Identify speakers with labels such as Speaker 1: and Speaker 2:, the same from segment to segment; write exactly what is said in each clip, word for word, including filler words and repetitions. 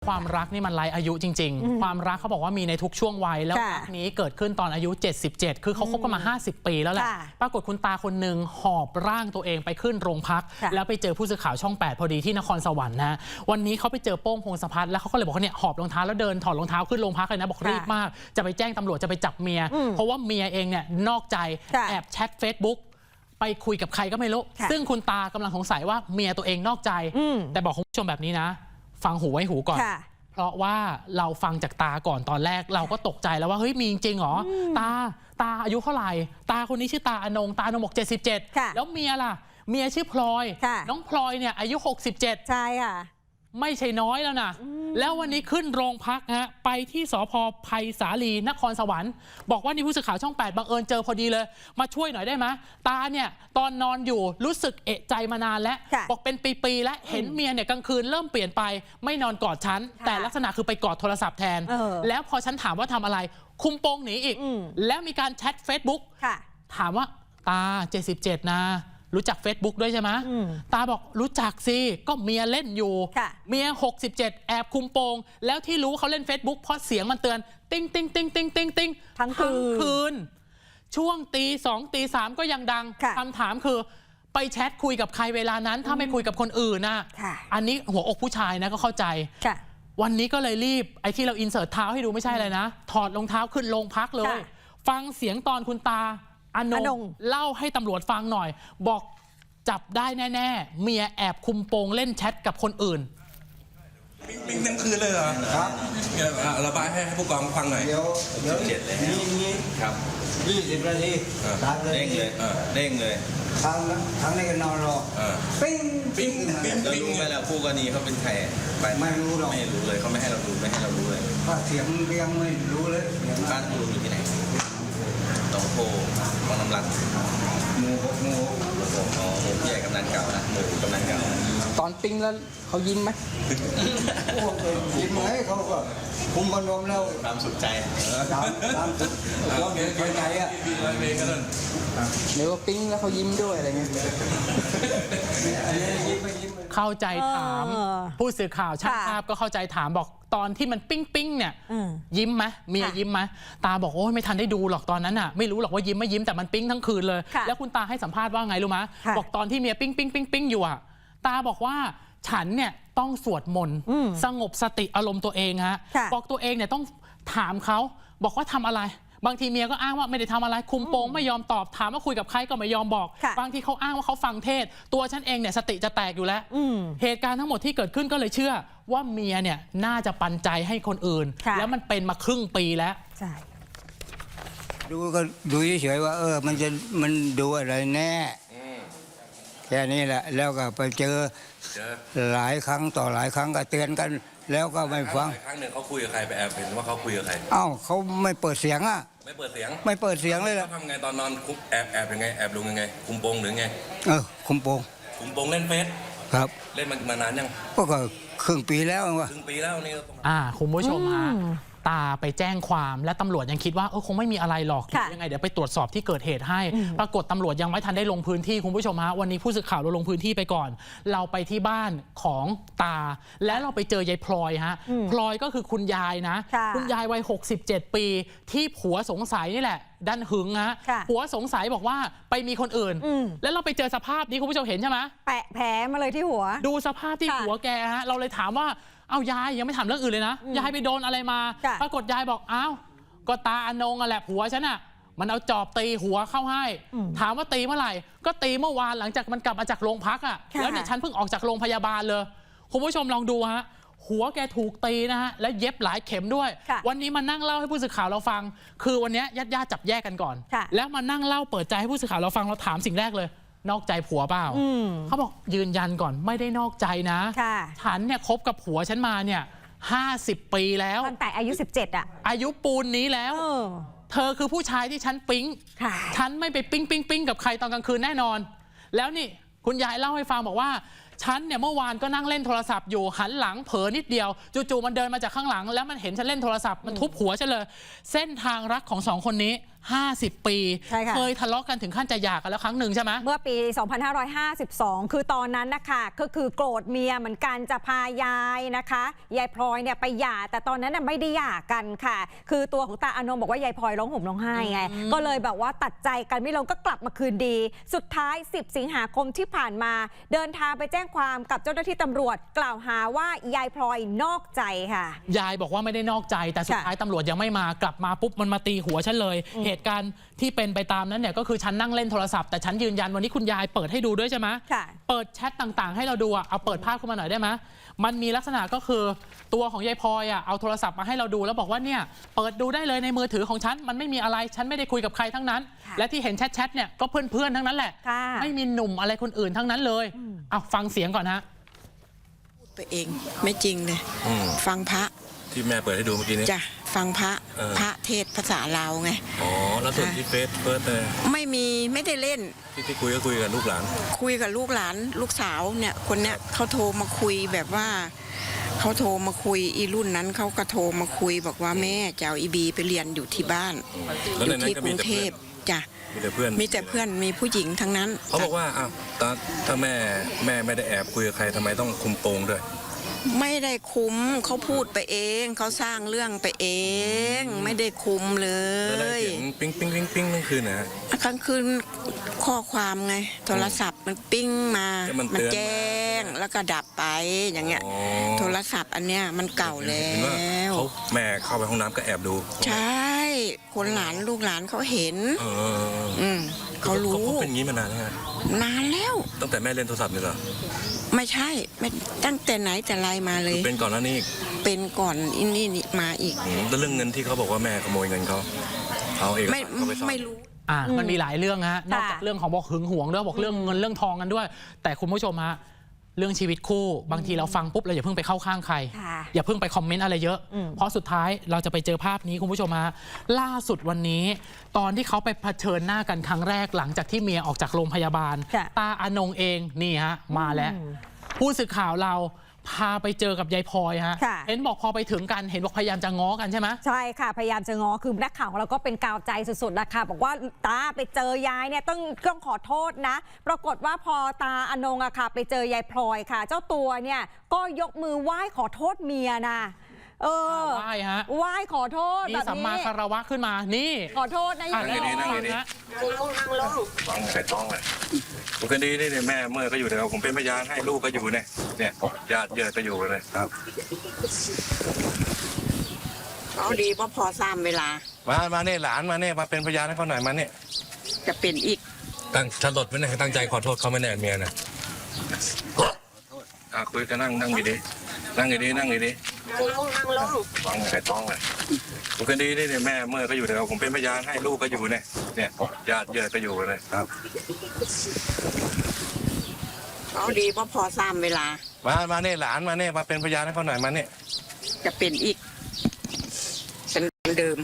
Speaker 1: ความรักนี่มันไร้อายุจริงๆความรักเขาบอกว่ามีในทุกช่วงวัยแล้วรักนี้เกิดขึ้นตอนอายุเจ็ดสิบเจ็ดคือเขาคบกันมาห้าสิบปีแล้วแหละปรากฏคุณตาคนหนึ่งหอบร่างตัวเองไปขึ้นโรงพักแล้วไปเจอผู้สื่อข่าวช่องแปดพอดีที่นครสวรรค์นะวันนี้เขาไปเจอโป้งพงศพัฒน์แล้วเขาก็เลยบอกว่าเนี่ยหอบรองเท้าแล้วเดินถอดรองเท้าขึ้นโรงพักเลยนะบอกรีบมากจะไปแจ้งตำรวจจะไปจับเมียเพราะว่าเมียเองเนี่ยนอกใจแอบแชท Facebook ไปคุยกับใครก็ไม่รู้ซึ่งคุณตากำลังสงสัยว่าเมียตัวเองนอกใจแต่บอกคุณผู้ชมแบบนี้นะฟังหูไว้หูก่อนเพราะว่าเราฟังจากตาก่อนตอนแรกเราก็ตกใจแล้วว่าเฮ้ยมีจริงเหรอตาตาอายุเท่าไหร่ตาคนนี้ชื่อตาอนงตาอนงบอกเจ็ดสิบเจ็ดแล้วเมียล่ะเมียชื่อพลอยน้องพลอยเนี่ยอายุหกสิบเจ็ด
Speaker 2: ใช่ค่ะ
Speaker 1: ไม่ใช่น้อยแล้วนะแล้ววันนี้ขึ้นโรงพักฮะไปที่สภ.ไผ่สาลีนครสวรรค์บอกว่านี่ผู้สื่อข่าวช่องแปดบังเอิญเจอพอดีเลยมาช่วยหน่อยได้ไหมตาเนี่ยตอนนอนอยู่รู้สึกเอะใจมานานแล้วบอกเป็นปีๆแล้วเห็นเมียเนี่ยกลางคืนเริ่มเปลี่ยนไปไม่นอนกอดฉันแต่ลักษณะคือไปกอดโทรศัพท์แทนแล้วพอฉันถามว่าทำอะไรคุมโปงหนีอีกแล้วมีการแชท Facebook ถามว่าตาเจ็ดสิบเจ็ดนะรู้จัก Facebook ด้วยใช่ไหมตาบอกรู้จักสิก็เมียเล่นอยู่เมียหกสิบเจ็ดแอบคุมโปงแล้วที่รู้เขาเล่น Facebook เพราะเสียงมันเตือนติ้งติ้งติ้งติ้งติ้งติ้ง
Speaker 2: ทั้งคื
Speaker 1: นช่วงตีสองตีสามก็ยังดังคำถามคือไปแชทคุยกับใครเวลานั้นถ้าไม่คุยกับคนอื่นนะอันนี้หัวอกผู้ชายนะก็เข้าใจวันนี้ก็เลยรีบไอ้ที่เราอินเสิร์ตเท้าให้ดูไม่ใช่เลยนะถอดรองเท้าขึ้นโรงพักเลยฟังเสียงตอนคุณตาอนงเล่าให้ตำรวจฟังหน่อยบอกจับได้แน่ๆเมียแอบคุมโปงเล่นแชทกับคนอื่น
Speaker 3: ปิ้งทั้งคืนเลยเหรอครับระบายให้ผู้กองฟังหน่อย
Speaker 4: เดี๋ยวเดี๋ยวเจ็ดเลยนี่ครับยี่สิบนาที
Speaker 3: เด้งเลยเด้งเลย
Speaker 4: ทางทางนี้ก็นอนรอปิ้ง
Speaker 3: ปิ้งปิ้ง
Speaker 5: แล้วรู้ไหมล่ะผู้กรณีเขาเป็นใคร
Speaker 4: ไม่รู้หรอก
Speaker 5: ไม่รู้เลยเขาไม่ให้เราดูไม่ให้เรารู้เลย
Speaker 4: เสียงยังไม่รู้เลย
Speaker 5: บ้านคุณลุงอยู่ที่ไหนหนองโพบางน้ำรัก
Speaker 4: หมู่หมู่
Speaker 5: อ๋อหมู่ใหญ่กำนันเก่านะหมู่กำนันเก่า
Speaker 1: ตอนปิ้งแล้วเขายิ้มไหม
Speaker 4: ยิ้มไหมเขาก็คุมบอลรวมแล้ว
Speaker 5: ตามสุดใจ
Speaker 4: ตามตามสุดความเป็นใจอ่ะ
Speaker 1: หรือว่าปิ้งแล้วเขายิ้มด้วยอะไรเงี้ยเข้าใจถามผู้สื่อข่าวช่างภาพก็เข้าใจถามบอกตอนที่มันปิ้งปิ้งเนี่ยยิ้มไหมเมียยิ้มไหมตาบอกโอ้ยไม่ทันได้ดูหรอกตอนนั้นอ่ะไม่รู้หรอกว่ายิ้มไม่ยิ้มแต่มันปิ้งทั้งคืนเลยแล้วคุณตาให้สัมภาษณ์ว่าไงรู้ไหมบอกตอนที่เมียปิ้งปิ้งปิ้งปิ้งอยู่อ่ะตาบอกว่าฉันเนี่ยต้องสวดมนต์สงบสติอารมณ์ตัวเองฮะบอกตัวเองเนี่ยต้องถามเขาบอกว่าทำอะไรบางทีเมียก็อ้างว่าไม่ได้ทำอะไรคุมโปงไม่ยอมตอบถามว่าคุยกับใครก็ไม่ยอมบอกบางทีเขาอ้างว่าเขาฟังเทศตัวฉันเองเนี่ยสติจะแตกอยู่แล้วเหตุการณ์ทั้งหมดที่เกิดขึ้นก็เลยเชื่อว่าเมียเนี่ยน่าจะปันใจให้คนอื่นแล้วมันเป็นมาครึ่งปีแล้วใช่
Speaker 4: ดูก็ดูเฉยๆว่าเออมันจะมันดูอะไรแน่แค่นี้แหละแล้วก็ไปเจอหลายครั้งต่อหลายครั้งก็เตือนกันแล้วก็ไม่ฟัง
Speaker 3: ครั้งหนึ่งเขาคุยกับใครไปแอบเห็นว่าเขาคุยกับใคร
Speaker 4: อ้าวเขาไม่เปิดเสียงอ่ะ
Speaker 3: ไม่เปิดเสียง
Speaker 4: ไม่เปิดเสียงเลยล่ะ
Speaker 3: ทำไงตอนนอนคุมแอบแอบยังไงแอบลงยังไงคุมโปงหรือไง
Speaker 4: เออคุมโปง
Speaker 3: คุมโปงเล่นเฟซ
Speaker 4: ครับ
Speaker 3: เล่นมานานยัง
Speaker 4: ก็ครึ่งปีแล้ว
Speaker 3: วะครึ่งปีแล้วนี่
Speaker 1: อ่าคุณผู้ชมฮะตาไปแจ้งความและตำรวจยังคิดว่าเออคงไม่มีอะไรหรอกยังไงเดี๋ยวไปตรวจสอบที่เกิดเหตุให้ปรากฏตำรวจยังไม่ทันได้ลงพื้นที่คุณผู้ชมฮะวันนี้ผู้สื่อข่าวเราลงพื้นที่ไปก่อนเราไปที่บ้านของตาและเราไปเจอยายพลอยฮะพลอยก็คือคุณยายนะคุณยายวัยหกสิบเจ็ดปีที่ผัวสงสัยนี่แหละดันหึงฮะผัวสงสัยบอกว่าไปมีคนอื่นแล้วเราไปเจอสภาพนี้คุณผู้ชมเห็นใช่ไหม
Speaker 2: แปะแผลมาเลยที่หัว
Speaker 1: ดูสภาพที่หัวแกฮะเราเลยถามว่าเอายายยังไม่ถามเรื่องอื่นเลยนะยายไปโดนอะไรมาปรากฏยายบอกอ้าวก็ตาอนงอ่ะแหละผัวฉันอ่ะมันเอาจอบตีหัวเข้าให้ถามว่าตีเมื่อไหร่ก็ตีเมื่อวานหลังจากมันกลับมาจากโรงพักอ่ะแล้วเนี่ยฉันเพิ่งออกจากโรงพยาบาลเลยคุณผู้ชมลองดูฮะหัวแกถูกตีนะฮะและเย็บหลายเข็มด้วยวันนี้มานั่งเล่าให้ผู้สื่อข่าวเราฟังคือวันนี้ญาติๆจับแยกกันก่อนแล้วมานั่งเล่าเปิดใจให้ผู้สื่อข่าวเราฟังเราถามสิ่งแรกเลยนอกใจผัวเปล่าเขาบอกยืนยันก่อนไม่ได้นอกใจนะฉันเนี่ยคบกับผัวฉันมาเนี่ยห้าสิบปีแล้ว
Speaker 2: ตั้งแต่อายุสิบเจ็ดอ่ะ
Speaker 1: อายุปูนนี้แล้วเธอคือผู้ชายที่ฉันปิ๊งฉันไม่ไปปิ๊งปิ๊งปิ๊งกับใครตอนกลางคืนแน่นอนแล้วนี่คุณยายเล่าให้ฟังบอกว่าฉันเนี่ยเมื่อวานก็นั่งเล่นโทรศัพท์อยู่หันหลังเผลอนิดเดียวจู่ๆมันเดินมาจากข้างหลังแล้วมันเห็นฉันเล่นโทรศัพท์มันทุบหัวฉันเลยเส้นทางรักของสองคนนี้ห้าสิบ ปี
Speaker 2: ใช่ค่ะ
Speaker 1: เคยทะเลาะกันถึงขั้นจะหย่ากันแล้วครั้งหนึ่งใช่ไหม
Speaker 2: เมื่อปี สองพันห้าร้อยห้าสิบสอง คือตอนนั้นนะคะก็คือโกรธเมียเหมือนกันจะพายายนะคะยายพลอยเนี่ยไปหย่าแต่ตอนนั้นน่ะไม่ได้หย่ากันค่ะ คือตัวของตาอานงบอกว่ายายพลอยร้องห่มร้องไห้ไงก็เลยแบบว่าตัดใจกันไม่ลงก็กลับมาคืนดี สุดท้าย สิบ สิงหาคมที่ผ่านมาเดินทางไปแจ้งความกับเจ้าหน้าที่ตำรวจกล่าวหาว่ายายพลอยนอกใจค่ะ
Speaker 1: ยายบอกว่าไม่ได้นอกใจแต่สุดท้ายตำรวจยังไม่มากลับมาปุ๊บมันมาตีหัวฉันเลย เหตุการณ์ที่เป็นไปตามนั้นเนี่ยก็คือฉันนั่งเล่นโทรศัพท์แต่ฉันยืนยันวันนี้คุณยายเปิดให้ดูด้วยใช่ไหม
Speaker 2: ค่ะ
Speaker 1: เปิดแชทต่างๆ ให้เราดูอะเอาเปิดภาพขึ้นมาหน่อยได้ไหมมันมีลักษณะก็คือตัวของยายพลอยอะเอาโทรศัพท์มาให้เราดูแล้วบอกว่าเนี่ยเปิดดูได้เลยในมือถือของฉันมันไม่มีอะไรฉันไม่ได้คุยกับใครทั้งนั้น
Speaker 2: ค่ะ
Speaker 1: และที่เห็นแชทๆเนี่ยก็เพื่อนๆทั้งนั้นแหละ
Speaker 2: ค่ะ
Speaker 1: ไม่มีหนุ่มอะไรคนอื่นทั้งนั้นเลยเอาฟังเสียงก่อนฮะ
Speaker 6: ไปเองไม่จริงเลย
Speaker 5: อืม
Speaker 6: ฟังพระ
Speaker 5: ที่แม่เปิดให้ดูเมื่อกี้นี้
Speaker 6: จ้ะฟังพระ
Speaker 5: เออ
Speaker 6: พระเทศภาษาลาวไง
Speaker 5: อ๋อ แล้วส่วนที่เฟซเฟิร์สเลย
Speaker 6: ไม่มีไม่ได้เล่น
Speaker 5: ที่ที่คุยก็คุยกับลูกหลาน
Speaker 6: คุยกับลูกหลานลูกสาวเนี่ยคนเนี้ยเขาโทรมาคุยแบบว่าเขาโทรมาคุยอีรุ่นนั้นเขาก็โทรมาคุยบอกว่าแม่จะเอาอีบีไปเรียนอยู่ที่บ้าน
Speaker 5: แล้ว
Speaker 6: อ
Speaker 5: ใน
Speaker 6: ยู่
Speaker 5: นั้น
Speaker 6: ที่
Speaker 5: ก็
Speaker 6: ก
Speaker 5: มี
Speaker 6: รุง
Speaker 5: แต่
Speaker 6: เท
Speaker 5: เพื่อ
Speaker 6: พ
Speaker 5: น
Speaker 6: จ้ะ
Speaker 5: มีแต่เพื่อน
Speaker 6: มีแต่เพื่อนมีผู้หญิงทั้งนั้น
Speaker 5: เขาบอกว่าอ้าวตาถ้าแม่แม่ไม่ได้แอบคุยกับใครทำไมต้องคุมโปงด้วย
Speaker 6: ไม่ได้คุมเขาพูดไปเองเขาสร้างเรื่องไปเอง ไม่ได้คุมเล
Speaker 5: แล้วได้
Speaker 6: ย
Speaker 5: เสียงปิ๊งปิ๊งปิ๊งปิ๊งนั่นคือนะฮะ
Speaker 6: กลางคืนข้อความไงโทรศัพท์มันปิ้งมา
Speaker 5: แล้วมันเตือน
Speaker 6: แจ้งแล้วก็ดับไปอย่างเงี้ย
Speaker 5: อ๋อ
Speaker 6: โทรศัพท์อันเนี้ยมันเก่าแล้
Speaker 5: เห็นว่าว เขาแม่เข้าไปห้องน้ำก็แอบดู
Speaker 6: ใช่ คนหลานลูกหลานเขาเห็น
Speaker 5: เออ
Speaker 6: อืมเขารู้
Speaker 5: เขาเป็นอย่างนี้มานานแล้วไง
Speaker 6: นานแล้ว
Speaker 5: ตั้งแต่แม่เล่นโทรศัพท์นี่เหรอ
Speaker 6: ไม่ใช่ไม่ตั้งแต่ไหนแต่ไรมาเล
Speaker 5: คื
Speaker 6: ย
Speaker 5: อเป็นก่อนหน้านี้อีก
Speaker 6: เป็นก่อนอินนี่นี่มาอีก
Speaker 5: อืมแล้วเรื่องเงินที่เขาบอกว่าแม่ขโมยเงินเขาเอาเอก
Speaker 6: ไม่
Speaker 5: สารเขาไปซ่อน
Speaker 6: ไม่รู้
Speaker 1: อ่ะมันมีหลายเรื่องฮะนอกจาก
Speaker 2: ค่ะ
Speaker 1: เรื่องของบอกหึงหวงด้วยบอกเรื่องเงินเรื่องทองกันด้วย แต่คุณผู้ชมฮะเรื่องชีวิตคู่บางทีเราฟังปุ๊บเราอย่าเพิ่งไปเข้าข้างใคร
Speaker 2: ค่ะ
Speaker 1: อย่าเพิ่งไปคอมเมนต์อะไรเยอะ
Speaker 2: อืม
Speaker 1: เพราะสุดท้ายเราจะไปเจอภาพนี้คุณผู้ชมฮะล่าสุดวันนี้ ตอนที่เขาไปเผชิญหน้ากันครั้งแรกหลังจากที่เมียออกจากโรงพยาบาล
Speaker 2: ค่ะ
Speaker 1: ตาอานงเองนี่ฮะมาแล้ว ผู้สื่อข่าวเราพาไปเจอกับยายพลอยฮะ
Speaker 2: ค่ะ
Speaker 1: เห็นบอกพอไปถึงกันเห็นบอกพยายามจะง้อกันใช่ไหม
Speaker 2: ใช่ค่ะ พยายามจะง้อคือนักข่าวของเราก็เป็นกาวใจสุดๆนะคะบอกว่าตาไปเจอยายเนี่ยต้องต้องขอโทษนะ ปรากฏว่าพอตาอนงอะค่ะ ไปเจอยายพลอยค่ะ เจ้าตัวเนี่ยก็ยกมือไหว้ขอโทษเมียนะเออ
Speaker 1: ไหว้ฮะ
Speaker 2: ไหว้ขอโทษ
Speaker 1: มี
Speaker 2: แบบ
Speaker 1: สัมมา
Speaker 2: นี้
Speaker 1: คารวะขึ้นมานี่
Speaker 2: ขอโทษนะอย่าง
Speaker 5: นั่ง
Speaker 2: นี้
Speaker 5: ดีๆนั่งดี
Speaker 1: ฮะ
Speaker 5: ฟังใส่ต้องเลยปกตินี่เนี่ยแม่เมื่อก็อยู่เดี๋ยวผมเป็นพยานให้ลูกก็อยู่เนี่ยเนี่ยญาติเยอะก็อยู่เลยครับ
Speaker 6: เอาดีเพราะพอสามเวลา
Speaker 5: มามาเนี่ยหลานมาเนี่ยมาเป็นพยานให้เขาหน่อยมาเนี่ย
Speaker 6: จะเป็นอีก
Speaker 5: ตั้งฉันหลดไว้เนี่ยตั้งใจขอโทษเขาไม่แน่เมียนะอ่ะคุยกันนั่งนั่งดีๆนั่งดีๆนั่งดีๆฟังใส่ต้องเลยปกตินี่เนี่ยแม่เมื่อก็อยู่เดี๋ยวผมเป็นพยานให้ลูกก็อยู่เนี่ยเนี่ยญาติเยอะก็อยู่เลยครับ
Speaker 6: เอาดีเพราะพอสามเวลา
Speaker 5: มามาเนี่ยหลานมาเนี่ยมาเป็นพยานให้เขาหน่อยมาเนี่ย
Speaker 6: จะเป็นอีกเป็นเดิม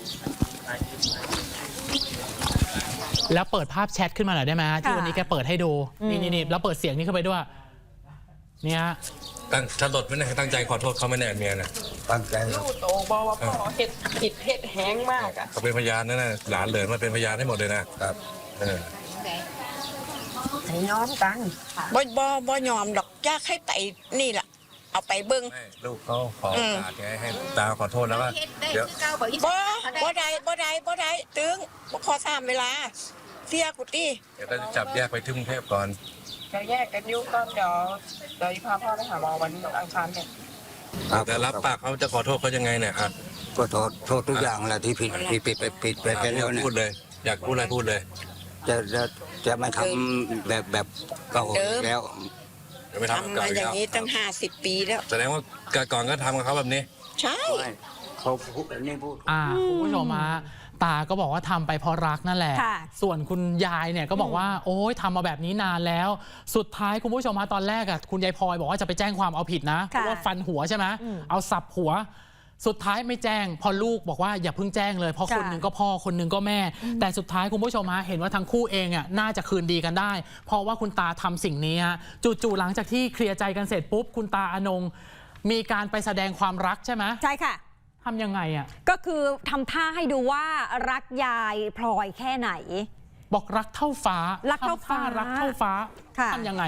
Speaker 1: แล้วเปิดภาพแชทขึ้นมาหน่อยได้ไหมฮะที่
Speaker 2: ค่ะ
Speaker 1: วันนี้แกเปิดให้ดูนี่นี่นี่แล้วเปิดเสียงนี้เข้าไปด้วยเนี่ย
Speaker 5: ตั้งฉันหลดไว้เนี่ยตั้งใจขอโทษเขาไม่แน่เมียนะ
Speaker 4: ตั้งใจครับ
Speaker 6: โตบอกว่าพ่อเห็ดผิดเห็ดแห้งมากอ่ะ
Speaker 5: เขาเป็นพยานนะนะหลานเหลินมาเป็นพยานให้หมดเลยนะครับเออ
Speaker 6: ให้ยอมกันบ่บ่บ่ยอมดอกยากให้ไตนี่ล่ะ เอาไปเบิ่ง
Speaker 5: ให้ลูกเขาขอโอกาสไงให้ตาขอโทษแล้วว่าเดี๋ยว
Speaker 6: บ่บ่ได้บ่ได้บ่ได้ตึงบ่พอสามเวลาเสียกุฏิ
Speaker 5: เดี๋ยวจะจับแยกไปที่กรุงเทพก่อน
Speaker 7: จะแยกกันยุ่งก็เดี๋ยวเดี๋ยวพาพ่อไปหาหมอวันอังคารเนี่ย
Speaker 5: แต่รับปากเขาจะขอโทษเขายังไงเนี่ยอ่ะ
Speaker 4: ก็โทษโทษทุกอย่างแหละที่ผิดที่ผิดไปผิดไปไปแล้วเนี่ย
Speaker 5: พูดเลย อยากพูดอะไรพูดเลย
Speaker 4: จะจะจะไม่ทำแบบแบบเก่าอีกแล้ว
Speaker 5: เดี๋ยวไปทำ
Speaker 6: ทำ
Speaker 5: กับ
Speaker 6: มา
Speaker 5: เก่าอีก
Speaker 6: อย่าง
Speaker 5: แล้ว
Speaker 6: นี้ตั้งห้าสิบปีแล้ว
Speaker 5: แสดงว่าก่อนก็ทำกับเขาแบบนี้
Speaker 6: ใช่
Speaker 4: ไม่เขาพูดอันนี้พูด
Speaker 1: อ่าคุณผู้ชมฮะตาก็บอกว่าทำไปเพราะรักนั่นแหละ
Speaker 2: ค่ะ
Speaker 1: ส่วนคุณยายเนี่ยก็บอกว่าโอ้ยทำมาแบบนี้นานแล้ว สุดท้ายคุณผู้ชมฮะตอนแรกอ่ะคุณยายพลอยบอกว่าจะไปแจ้งความเอาผิดนะเพ
Speaker 2: ค่ะ
Speaker 1: ราะว่าฟันหัวใช่ไหม
Speaker 2: อืม
Speaker 1: เอาสับหัว สุดท้ายไม่แจ้งพอลูกบอกว่าอย่าเพิ่งแจ้งเลยเพราะ
Speaker 2: ค่ะ
Speaker 1: คนหนึ่งก็พ่อคนหนึ่งก็แม่ แต่สุดท้ายคุณผู้ชมฮะเห็นว่าทั้งคู่เองอ่ะน่าจะคืนดีกันได้ เพราะว่าคุณตาทำสิ่งนี้ฮะจู่ๆหลังจากที่เคลียร์ใจกันเสร็จปุ๊บคุณตาอนงมีการไปแสดงความรักใช่ไหม
Speaker 2: ใช่ค่ะ
Speaker 1: ทำยังไงอ่ะ
Speaker 2: ก็คือทำท่าให้ดูว่ารักยายพลอยแค่ไหน
Speaker 1: บอกรักเท่าฟ้า
Speaker 2: รักเท่าฟ้า
Speaker 1: ทำรักเท่าฟ้า
Speaker 2: ค่ะ
Speaker 1: ทำยังไง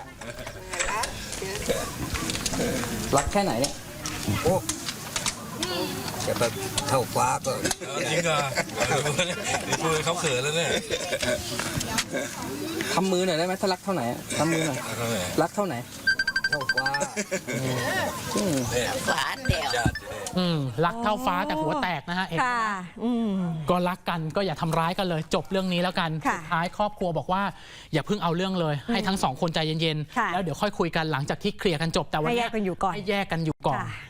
Speaker 8: รักแค่ไหนเนี่ย
Speaker 4: โอ้จะไปเท่าฟ้าก็
Speaker 5: จริงเหรอนี่พูดเขาเขินแล้วเนี่ย
Speaker 8: ทำมือหน่อยได้ไหมถ้ารักเท่าไหนอะทำมือหน่อยรักเท่าไหน
Speaker 4: เท่าฟ้า
Speaker 8: อืม
Speaker 1: อืมรักเท่าฟ้าแต่หัวแตกนะฮะเอก
Speaker 2: ค่ะ อืม
Speaker 1: ก็รักกันก็อย่าทำร้ายกันเลยจบเรื่องนี้แล้วกัน
Speaker 2: ค่ะ
Speaker 1: สุดท้ายครอบครัวบอกว่าอย่าเพิ่งเอาเรื่องเลย ให้ทั้งสองคนใจเย็น
Speaker 2: ค่ะ
Speaker 1: ๆแล้วเดี๋ยวค่อยคุยกันหลังจากที่เคลียร์กันจบแต่วัน
Speaker 2: ให้แย
Speaker 1: นี้
Speaker 2: กกันอยู่ก่อน
Speaker 1: ให้แยกกันอยู่ก่อน
Speaker 2: ค่ะ